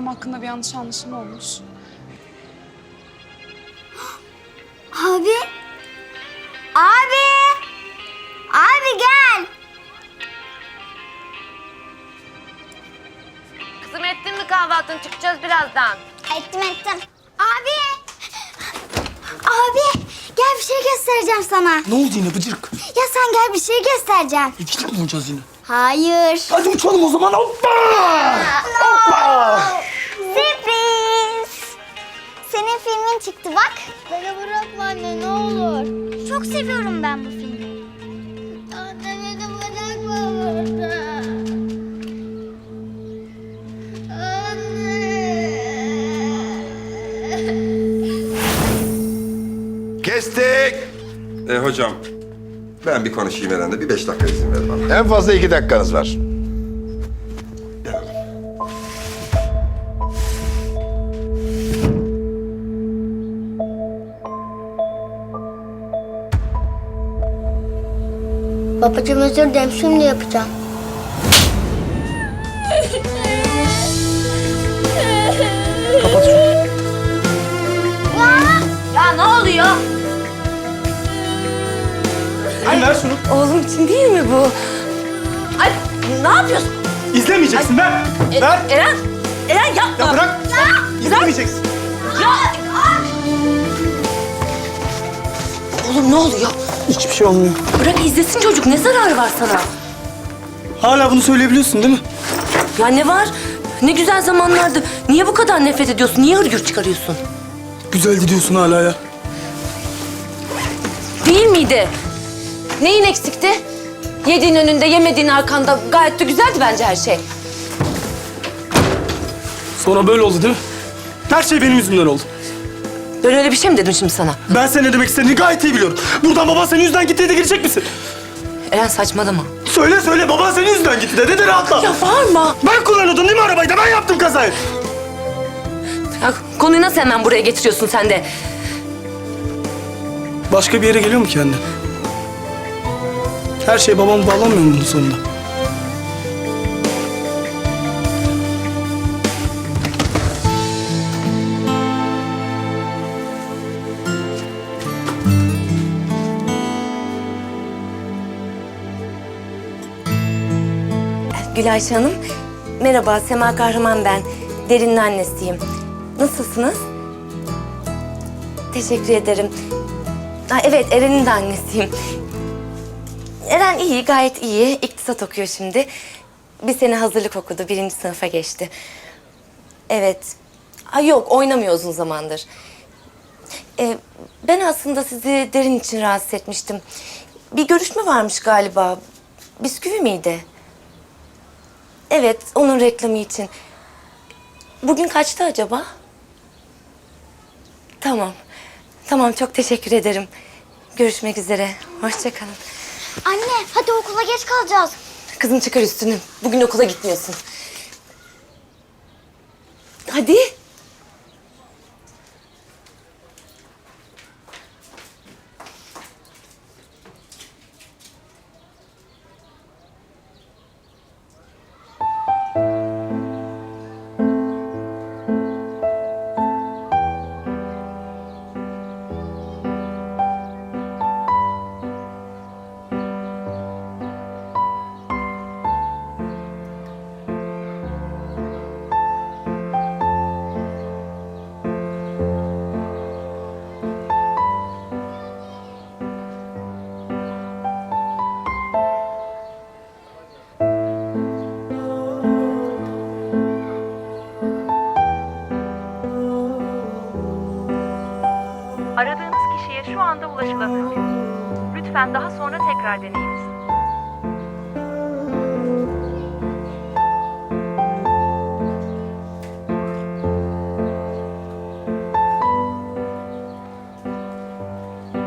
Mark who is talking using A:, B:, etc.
A: hakkında bir yanlış anlaşılma olmuş.
B: Abi! Abi! Abi gel!
C: Kızım ettin mi kahvaltını? Çıkacağız birazdan.
B: Ettim. Abi! Abi! Gel bir şey göstereceğim sana.
D: Ne oldu yine bıcırık?
B: Ya sen gel bir şey göstereceğim.
D: İkilik mi vuracağız yine?
B: Hayır.
D: Hadi uçalım o zaman. Hoppa! Hoppa!
B: Sürpriz! Senin filmin çıktı bak. Beni bırakma anne ne olur. Çok seviyorum ben bu filmi. Anne beni bırakma burada.
E: Kestik. Hocam, ben bir konuşayım Eren'le. Bir 5 dakika izin ver bana.
F: En fazla 2 dakikanız var.
E: Gel.
B: Babacığım özür dilerim şimdi yapacağım.
D: Kapat şunu.
C: Ya ne oluyor?
D: Ay, ver şunu.
C: Oğlum için değil mi bu? Ay ne yapıyorsun?
D: İzlemeyeceksin, ver. Ver.
C: Eren yapma.
D: Ya bırak. İzlemeyeceksin.
C: Oğlum ne oluyor?
D: Hiçbir şey olmuyor.
C: Bırak izlesin çocuk. Ne zararı var sana?
D: Hala bunu söyleyebiliyorsun değil mi?
C: Ya ne var? Ne güzel zamanlardı. Niye bu kadar nefret ediyorsun? Niye hırgür çıkarıyorsun?
D: Güzeldi diyorsun hala ya.
C: Değil miydi? Neyin eksikti? Yediğin önünde, yemediğin arkanda. Gayet de güzeldi bence her şey.
D: Sonra böyle oldu değil mi? Her şey benim yüzümden oldu.
C: Ben öyle bir şey mi dedim şimdi sana?
D: Ben senin ne demek istediğini gayet iyi biliyorum. Buradan baban senin yüzünden gitti de girecek misin?
C: Eren saçmalama.
D: Söyle, baban senin yüzünden gitti de rahatla.
C: Ya bağırma.
D: Ben kullanıyordum değil mi arabayı da? Ben yaptım kazayı.
C: Ya, konuyu nasıl hemen buraya getiriyorsun sen de?
D: Başka bir yere geliyor mu ki anne? Her şey babamı bağlamıyor mu bunun sonunda?
C: Gülayşe Hanım, merhaba. Sema Kahraman ben. Derin'in annesiyim. Nasılsınız? Teşekkür ederim. Ha, evet, Eren'in de annesiyim. Eren iyi, gayet iyi. İktisat okuyor şimdi. Bir sene hazırlık okudu, 1. sınıfa geçti. Evet. Ha, yok, oynamıyor uzun zamandır. Ben aslında sizi Derin için rahatsız etmiştim. Bir görüşme varmış galiba. Bisküvi miydi? Evet, onun reklamı için. Bugün kaçta acaba? Tamam, çok teşekkür ederim. Görüşmek üzere. Hoşça kalın.
B: Anne hadi okula geç kalacağız.
C: Kızım çıkar üstünü. Bugün okula gitmiyorsun. Hadi.
G: Aradığınız kişiye şu anda ulaşılamıyor. Lütfen daha sonra tekrar deneyiniz.